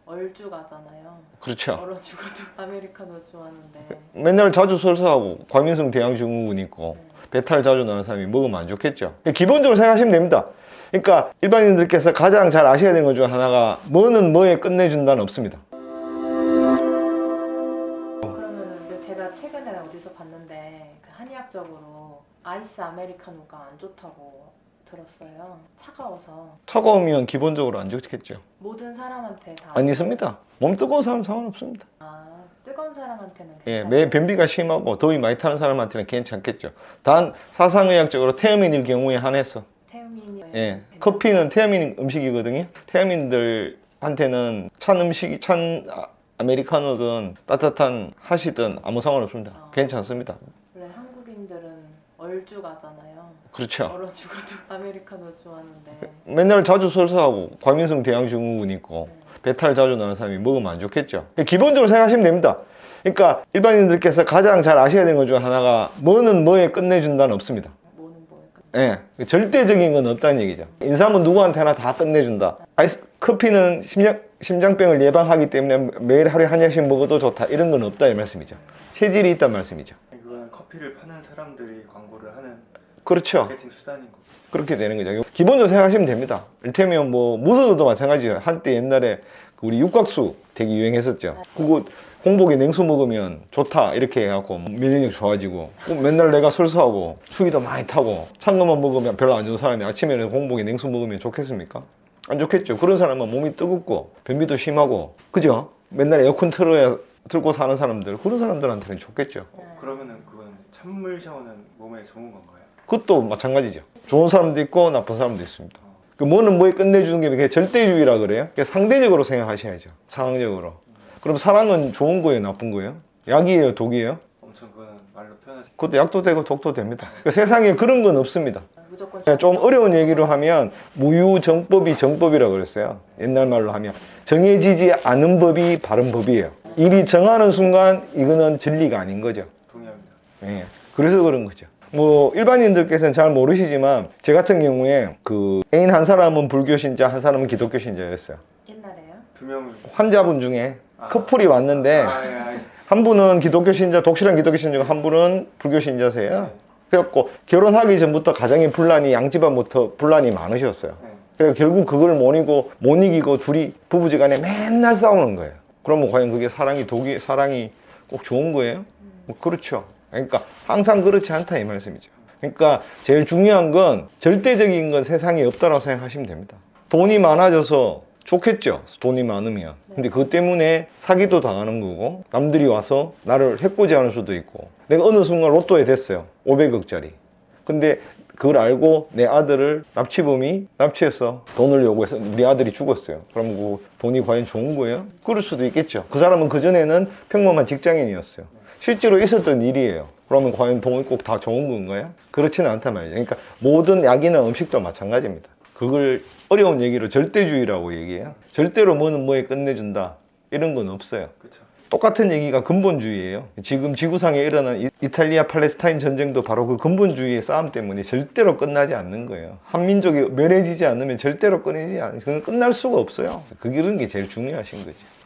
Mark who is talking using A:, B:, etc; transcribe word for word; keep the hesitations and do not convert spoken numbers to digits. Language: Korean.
A: 얼죽하잖아요.
B: 그렇죠.
A: 얼어 죽어도 아메리카노 좋아하는데.
B: 맨날 자주 설사하고 과민성 대양 증후군 있고
A: 네.
B: 배탈 자주 나는 사람이 먹으면 안 좋겠죠. 기본적으로 생각하시면 됩니다. 그러니까 일반인들께서 가장 잘 아셔야 되는 것 중 하나가 뭐는 뭐에 끝내준다는 없습니다.
A: 그러면은 그 제가 최근에 어디서 봤는데 그 한의학적으로 아이스 아메리카노가 안 좋다고 들었어요. 차가워서.
B: 차가우면 기본적으로 안 좋겠죠.
A: 모든 사람한테 다.
B: 안 있습니다. 몸 뜨거운 사람 상관없습니다.
A: 아, 뜨거운 사람한테는
B: 예,
A: 괜찮아요.
B: 매 변비가 심하고 더위 많이 타는 사람한테는 괜찮겠죠. 단 사상의학적으로 태음인일 경우에 한해서
A: 태우민이.
B: 예, 커피는 태아민 음식이거든요. 태아민들한테는 찬 음식이 찬 아- 아메리카노든 따뜻한 하시든 아무 상관없습니다.
A: 아.
B: 괜찮습니다.
A: 원래 한국인들은 얼죽하잖아요.
B: 그렇죠.
A: 얼어 죽어도 아메리카노 좋아하는데.
B: 맨날 자주 설사하고 과민성 대양 증후군 있고
A: 네.
B: 배탈 자주 나는 사람이 먹으면 안 좋겠죠. 기본적으로 생각하시면 됩니다. 그러니까 일반인들께서 가장 잘 아셔야 되는 것 중 하나가 뭐는 뭐에 끝내준다는 없습니다.
A: 뭐는 뭐일까?
B: 예, 절대적인 건 없다는 얘기죠. 인삼은 누구한테나 다 끝내준다. 아이스 커피는 심장, 심장병을 예방하기 때문에 매일 하루에 한 잔씩 먹어도 좋다. 이런 건 없다 이 말씀이죠. 체질이 있단 말씀이죠.
C: 이건 커피를 파는 사람들이 광고를 하는
B: 그렇죠.
C: 마케팅 수단인 거고.
B: 그렇게 되는 거죠. 기본적으로 생각하시면 됩니다. 이를테면 뭐 무서워도 마찬가지예요. 한때 옛날에 그 우리 육각수 되게 유행했었죠. 그거 홍복에 냉수 먹으면 좋다 이렇게 해갖고 면역력 좋아지고 꼭 맨날 내가 설사하고 추위도 많이 타고 찬 것만 먹으면 별로 안 좋은 사람이 아침에는 홍복에 냉수 먹으면 좋겠습니까? 안 좋겠죠. 그런 사람은 몸이 뜨겁고 변비도 심하고 그죠? 맨날 에어컨 틀어야 틀고 사는 사람들 그런 사람들한테는 좋겠죠.
C: 어, 그러면은 그건 찬물 샤워는 몸에 좋은 건가요?
B: 그것도 마찬가지죠. 좋은 사람도 있고 나쁜 사람도 있습니다. 그 뭐는 뭐에 끝내주는 게 그게 절대주의라 그래요. 그게 상대적으로 생각하셔야죠. 상황적으로. 그럼 사랑은 좋은 거예요, 나쁜 거예요? 약이에요, 독이에요?
C: 엄청 그거는 말로 표현하시.
B: 그것도 약도 되고 독도 됩니다. 그러니까 세상에 그런 건 없습니다.
A: 무조건.
B: 그냥 좀 어려운 얘기로 하면 무유정법이 정법이라고 그랬어요. 옛날 말로 하면 정해지지 않은 법이 바른 법이에요. 일이 정하는 순간 이거는 진리가 아닌 거죠.
C: 동의합니다.
B: 예, 그래서 그런 거죠. 뭐 일반인들께서는 잘 모르시지만 제 같은 경우에 그 애인 한 사람은 불교 신자, 한 사람은 기독교 신자였어요.
A: 옛날에요?
C: 두 명을.
B: 환자분 중에
C: 아.
B: 커플이 왔는데
C: 아, 예, 아, 예.
B: 한 분은 기독교 신자, 독실한 기독교 신자고 한 분은 불교 신자세요. 그래갖고 결혼하기 전부터 가정의 분란이 양집안부터 분란이 많으셨어요.
C: 네.
B: 그래서 결국 그걸 못 이기고 못 이기고 둘이 부부지간에 맨날 싸우는 거예요. 그러면 과연 그게 사랑이 독이 사랑이 꼭 좋은 거예요? 뭐 그렇죠. 그러니까 항상 그렇지 않다 이 말씀이죠. 그러니까 제일 중요한 건 절대적인 건 세상에 없다고 생각하시면 됩니다. 돈이 많아져서 좋겠죠. 돈이 많으면. 근데 그것 때문에 사기도 당하는 거고 남들이 와서 나를 해코지하는 수도 있고 내가 어느 순간 로또에 됐어요. 오백억짜리. 근데 그걸 알고 내 아들을 납치범이 납치해서 돈을 요구해서 우리 아들이 죽었어요. 그럼 그 돈이 과연 좋은 거예요? 그럴 수도 있겠죠. 그 사람은 그전에는 평범한 직장인이었어요. 실제로 있었던 일이에요. 그러면 과연 돈이 꼭 다 좋은 건가요? 그렇지는 않단 말이죠. 그러니까 모든 약이나 음식도 마찬가지입니다. 그걸 어려운 얘기로 절대주의라고 얘기해요. 절대로 뭐는 뭐에 끝내준다. 이런 건 없어요.
C: 그렇죠.
B: 똑같은 얘기가 근본주의예요. 지금 지구상에 일어난 이- 이탈리아 팔레스타인 전쟁도 바로 그 근본주의의 싸움 때문에 절대로 끝나지 않는 거예요. 한민족이 멸해지지 않으면 절대로 끊이지 않아요. 그건 끝날 수가 없어요. 그게 그런 게 제일 중요하신 거지.